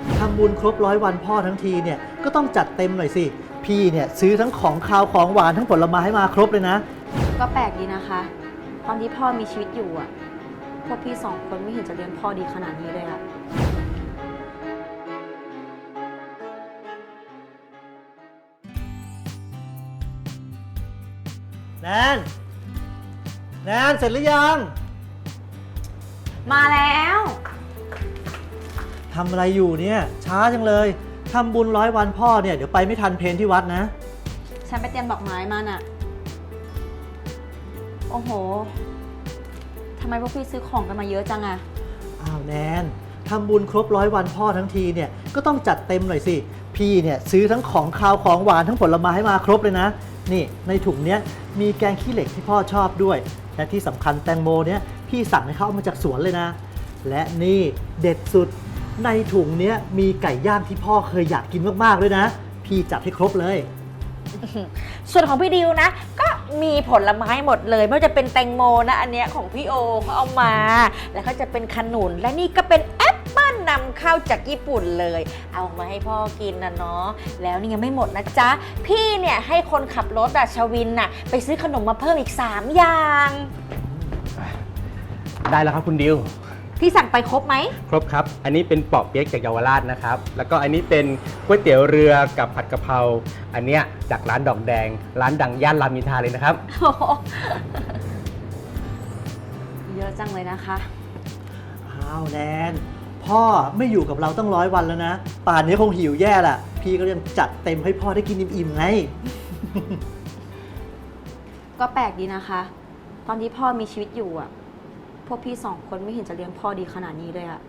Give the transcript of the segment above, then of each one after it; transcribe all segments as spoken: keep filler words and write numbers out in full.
ทำบุญครบร้อยวันพ่อทั้งทีเนี่ยก็ต้องจัดเต็มหน่อยสิพี่เนี่ยซื้อทั้งของคาวของหวานทั้งผลไม้ให้มาครบเลยนะก็แปลกดีนะคะ ตอนที่พ่อมีชีวิตอยู่อ่ะพวกพี่สองคนไม่เห็นจะเลี้ยงพ่อดีขนาดนี้เลยอะแนนแนนเสร็จหรือยังมาแล้วทำอะไรอยู่เนี่ยช้าจังเลยทำบุญร้อยวันพ่อเนี่ยเดี๋ยวไปไม่ทันเพลที่วัดนะฉันไปเตรียมดอกไม้มาน่ะโอ้โหทำไมพวกพี่ซื้อของกันมาเยอะจังอะอ้าวแนนทำบุญครบร้อยวันพ่อทั้งทีเนี่ยก็ต้องจัดเต็มหน่อยสิพี่เนี่ยซื้อทั้งของคาวของหวานทั้งผลไม้ให้มาครบเลยนะนี่ในถุงเนี้ยมีแกงขี้เหล็กที่พ่อชอบด้วยและที่สำคัญแตงโมเนี่ยพี่สั่งให้เขาเอามาจากสวนเลยนะและนี่เด็ดสุดในถุงเนี้ยมีไก่ย่างที่พ่อเคยอยากกินมากๆด้วยนะพี่จัดให้ครบเลยส่วนของพี่ดิวนะก็มีผลไม้หมดเลยไม่ว่าจะเป็นแตงโมนะอันเนี้ยของพี่โอเขาเอามาแล้วก็จะเป็นขนุนและนี่ก็เป็นแอปเปิ้ลนำเข้าจากญี่ปุ่นเลยเอามาให้พ่อกินนะเนาะแล้วนี่ยังไม่หมดนะจ๊ะพี่เนี่ยให้คนขับรถอะชวินน่ะไปซื้อขนมมาเพิ่มอีกสามอย่างได้แล้วครับคุณดิวพี่สั่งไปครบไหมครบครับอันนี้เป็นปอเปี๊ยกจากเยาวราชนะครับแล้วก็อันนี้เป็นก๋วยเตี๋ยวเรือกับผัดกะเพราอันเนี้ยจากร้านดอกแดงร้านดังย่านรามอินทราเลยนะครับเยอะจังเลยนะคะอ้าวแนนพ่อไม่อยู่กับเราตั้งร้อยวันแล้วนะป่านนี้คงหิวแย่แหละพี่ก็ยังจัดเต็มให้พ่อได้กินอิ่มๆไงก็แปลกดีนะคะ ตอนที่พ่อมีชีวิตอยู่อ่ะพวกพี่สองคนไม่เห็นจะเลี้ยงพ่อดีขนาดนี้เลยอะ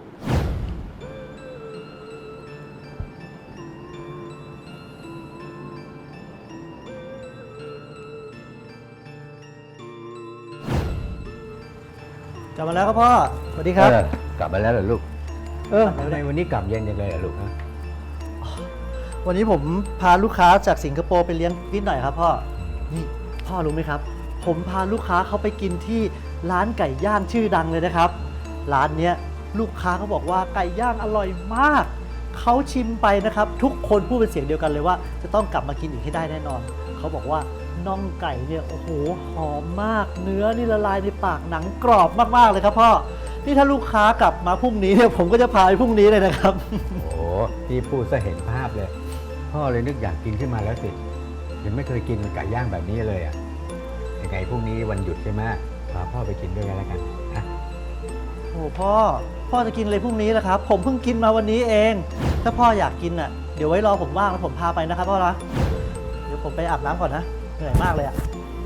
กลับมาแล้วครับพ่อสวัสดีครับกลับมาแล้วเหรอลูกเออทำไมวันนี้กลับเย็นจังเลยอะลูกฮะวันนี้ผมพาลูกค้าจากสิงคโปร์ไปเลี้ยงนิดหน่อยครับพ่อนี่พ่อรู้ไหมครับผมพาลูกค้าเขาไปกินที่ร้านไก่ย่างชื่อดังเลยนะครับร้านเนี้ยลูกค้าเขาบอกว่าไก่ย่างอร่อยมากเขาชิมไปนะครับทุกคนพูดเป็นเสียงเดียวกันเลยว่าจะต้องกลับมากินอีกให้ได้แน่นอนเขาบอกว่าน่องไก่เนี่ยโอ้โหหอมมากเนื้อนี่ละลายในปากหนังกรอบมากๆเลยครับพ่อนี่ถ้าลูกค้ากลับมาพรุ่งนี้เนี่ยผมก็จะพาไปพรุ่งนี้เลยนะครับโอ้พี่พูดซะเห็นภาพเลยพ่อเลยนึกอยากกินขึ้นมาแล้วสิยังไม่เคยกินไก่ย่างแบบนี้เลยอ่ะยังไงพรุ่งนี้วันหยุดใช่ไหมพาพ่อไปกินด้วยกันแล้วกันนะโอ้พ่อพ่อจะกินอะไรพรุ่งนี้ล่ะครับผมเพิ่งกินมาวันนี้เองถ้าพ่ออยากกินอ่ะเดี๋ยวไว้รอผมว่างแล้วผมพาไปนะครับพ่อนะเดี๋ยวผมไปอาบน้ำก่อนนะเหนื่อยมากเลยอ่ะ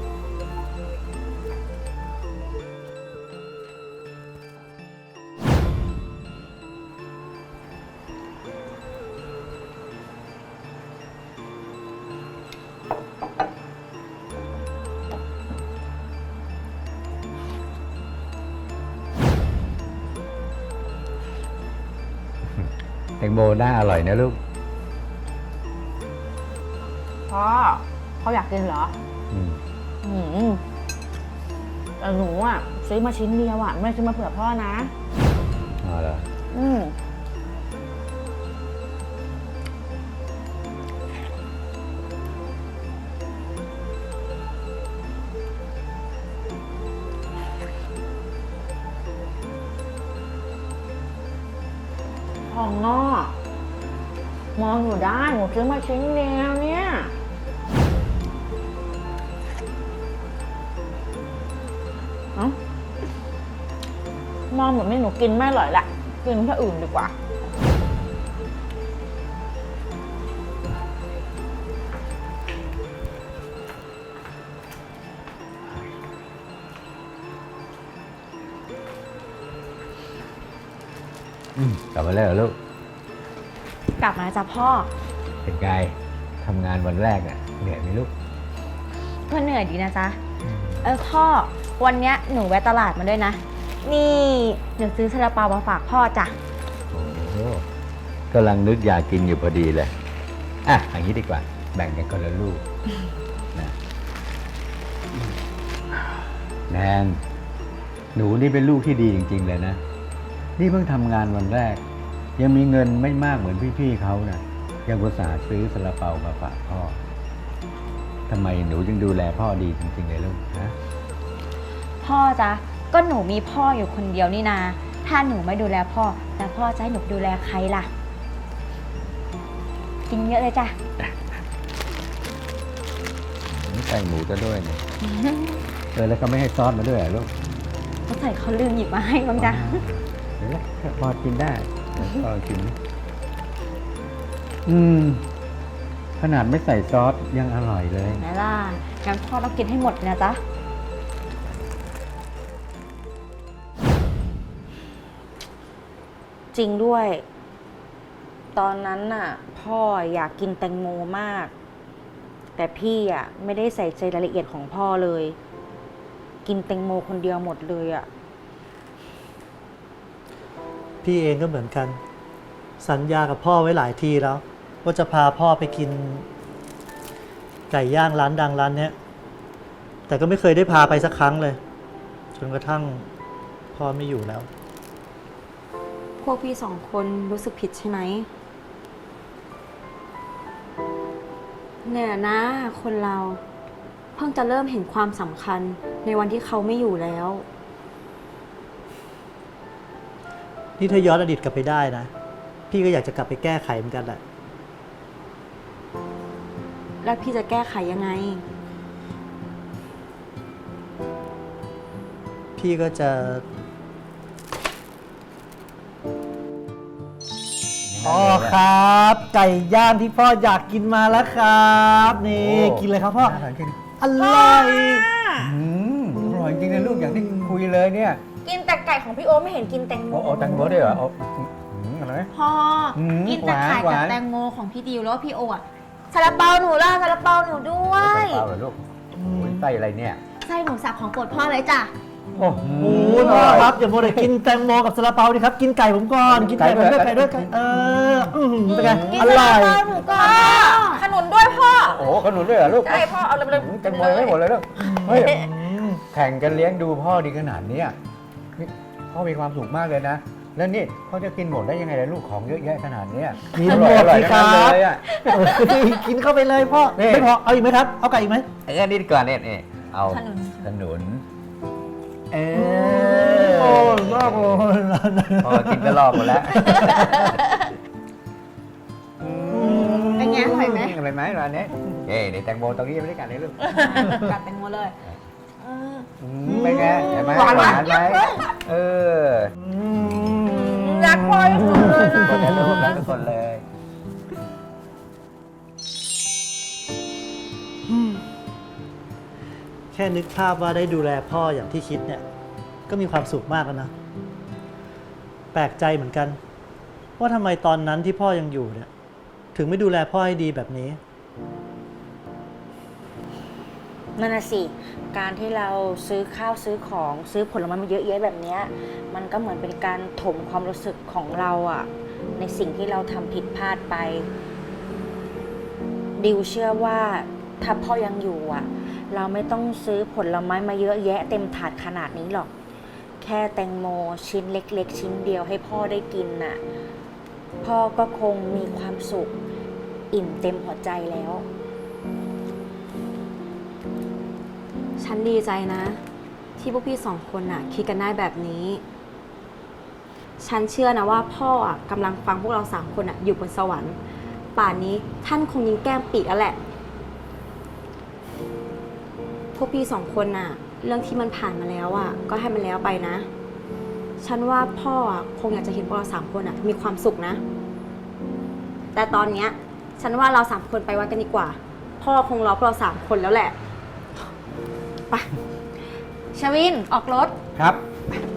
แตงโมน่าอร่อยนะลูกพ่อเขาอยากกินเหรออืมอืมแต่หนูอ่ะซื้อมาชิ้นเดียวอ่ะไม่ซื้อมาเผื่อพ่อนะอ๋อเหรออืมของนอกมองอยู่ได้หนูซื้อมาชิ้นเดียวเนี่ยเอ้ามองเหมือนไม่หนูกินไม่อร่อยละกินที่อื่นดีกว่ากลับมาแล้วเหรอลูกกลับมาจ้ะพ่อเป็นไงทำงานวันแรกน่ะเหนื่อยไหมลูกก็เหนื่อยดีนะจ๊ะเออพ่อวันเนี้ยหนูแวะตลาดมาด้วยนะนี่เดี๋ยวซื้อซาลาเปามาฝากพ่อจ้ะโอ้กำลังนึกอยากกินอยู่พอดีเลยอ่ะอย่างนี้ดีกว่าแบ่งกันคนละลูกนะแนนหนูนี่เป็นลูกที่ดีจริงๆเลยนะนี่เพิ่งทำงานวันแรกยังมีเงินไม่มากเหมือนพี่ๆเขานะยังอุตส่าห์ซื้อซาลาเปามาฝากพ่อทำไมหนูจึงดูแลพ่อดีจริงๆเลยลูกนะพ่อจ๊ะก็หนูมีพ่ออยู่คนเดียวนี่นา ถ้าหนูไม่ดูแลพ่อแล้วพ่อจะให้หนูดูแลใครล่ะ กินเยอะเลยจ้ะนี่ใส่หมูจะด้วยเนี่ย เออแล้วก็ไม่ให้ซอสมาด้วยเหรอลูกเขาใส่เขาลืมหยิบมาให้มั้งจ๊ะเดี๋ยวนะพอกินได้พอกิน อืม ขนาดไม่ใส่ซอสยังอร่อยเลยไหนล่ะงั้นพ่อต้องกินให้หมดเลยนะจ๊ะจริงด้วย ตอนนั้นน่ะ พ่ออยากกินแตงโมมาก แต่พี่อ่ะไม่ได้ใส่ใจรายละเอียดของพ่อเลย กินแตงโมคนเดียวหมดเลยอ่ะพี่เองก็เหมือนกัน สัญญากับพ่อไว้หลายทีแล้ว ว่าจะพาพ่อไปกิน ไก่ย่างร้านดังร้านเนี้ย แต่ก็ไม่เคยได้พาไปสักครั้งเลย จนกระทั่งพ่อไม่อยู่แล้วพวกพี่สองคนรู้สึกผิดใช่ไหมเนี่ยนะ คนเราเพิ่งจะเริ่มเห็นความสำคัญในวันที่เขาไม่อยู่แล้วนี่ถ้าย้อนอดีตกลับไปได้นะ พี่ก็อยากจะกลับไปแก้ไขเหมือนกันแหละแล้วพี่จะแก้ไขยังไงพี่ก็จะพ่อครับ ไก่ย่างที่พ่ออยากกินมาแล้วครับ นี่โอ้กินเลยครับพ่ออร่อยจริงอร่อยอืมอร่อยจริงนะลูกอย่างที่คุยเลยเนี่ยกินแต่ไก่ของพี่โอ๊ตไม่เห็นกินแตงโมโอ้โอ้แตงโมด้วยเหรอโอ้อืมอะไรไหมพ่ออมกินแต่ไข่หวานกับหวานแตงโมของพี่ดิวแล้วพี่โออะซาลาเปาหนูล่ะซาลาเปาหนูด้วยใส่เปล่าเหรอลูกโอ้ยไส้อะไรเนี่ยไส้หมูสับของโปรดพ่อเลยจ้ะโอ้โหโอ้โหพ่อครับอย่าโมวแต่กินแตงโมกับซาลาเปาดิครับ กินไก่ผมก่อน กินไก่ผมด้วยไก่ไก่ด้ด้ววย ยไก่เอออื้อหือเป็นไงกินอซาร่ลาอยเปาหนูก่อนขนุนด้วยพ่อโอ้โหขนุนด้วยเหรอลูกใช่พ่อเอาเลยแตงโมยังไม่หมดเลยลูกเฮ้ยแข่งกันเลี้ยงดูพ่อดีขนาดเนี้ยนี่พ่อมีความสุขมากเลยนะ แล้วนี่พ่อจะกินหมดได้ยังไงล่ะลูกของเยอะแยะขนาดเนี้ยกินหมดอร่อยสิๆครัทั้งนั้นบเลยอะเออกินเข้าไปเลยพ่อนี่ไม่พอ เอาอีกไหมครับ เอาไก่อีกไหมไอ้อันนี้ดีกว่อนเนี่ยนี่เอาขนุนขนุนเอโอ้อยมากเลยพอกินก็รอบหมดแล้วเป็นไงอร่อยไหมอร่อยไหมร้านนี้เอ้ยนี่แตงโมตรงนี้ยังไม่ได้กัดเลยลูกกัดแตงโมเลยอืมเป็นไงเห็นไหมหวานหมากวานไหมเออรักพ่อที่สุดเลยทุกคนเลยนะลูกรักทุกคนเลยแค่นึกภาพว่าได้ดูแลพ่ออย่างที่คิดเนี่ย ก็มีความสุขมากแล้วนะ แปลกใจเหมือนกัน ว่าทำไมตอนนั้นที่พ่อยังอยู่เนี่ย ถึงไม่ดูแลพ่อให้ดีแบบนี้นั่นน่ะสิ การที่เราซื้อข้าวซื้อของซื้อผลไม้มาเยอะแยะแบบเนี้ยมันก็เหมือนเป็นการถมความรู้สึกของเราอะในสิ่งที่เราทำผิดพลาดไป ดิวเชื่อว่าถ้าพ่อยังอยู่อะเราไม่ต้องซื้อผลไม้มาเยอะแยะเต็มถาดขนาดนี้หรอก แค่แตงโมชิ้นเล็กๆ ชิ้นเดียวให้พ่อได้กินน่ะพ่อก็คงมีความสุขอิ่มเต็มหัวใจแล้วฉันดีใจนะ ที่พวกพี่สองคนน่ะคิดกันได้แบบนี้ ฉันเชื่อนะว่าพ่ออ่ะกำลังฟังพวกเราสามคนอ่ะอยู่บนสวรรค์ ป่านนี้ท่านคงยิงแก้มปีกแล้วแหละ พวกพี่สองคนน่ะ เรื่องที่มันผ่านมาแล้วอ่ะก็ให้มันแล้วไปนะ ฉันว่าพ่ออ่ะคงอยากจะเห็นพวกเราสามคนอ่ะมีความสุขนะ แต่ตอนเนี้ยฉันว่าเราสามคนไปวัดกันดีกว่า พ่อคงรอพวกเราสามคนแล้วแหละไปชวินออกรถครับไ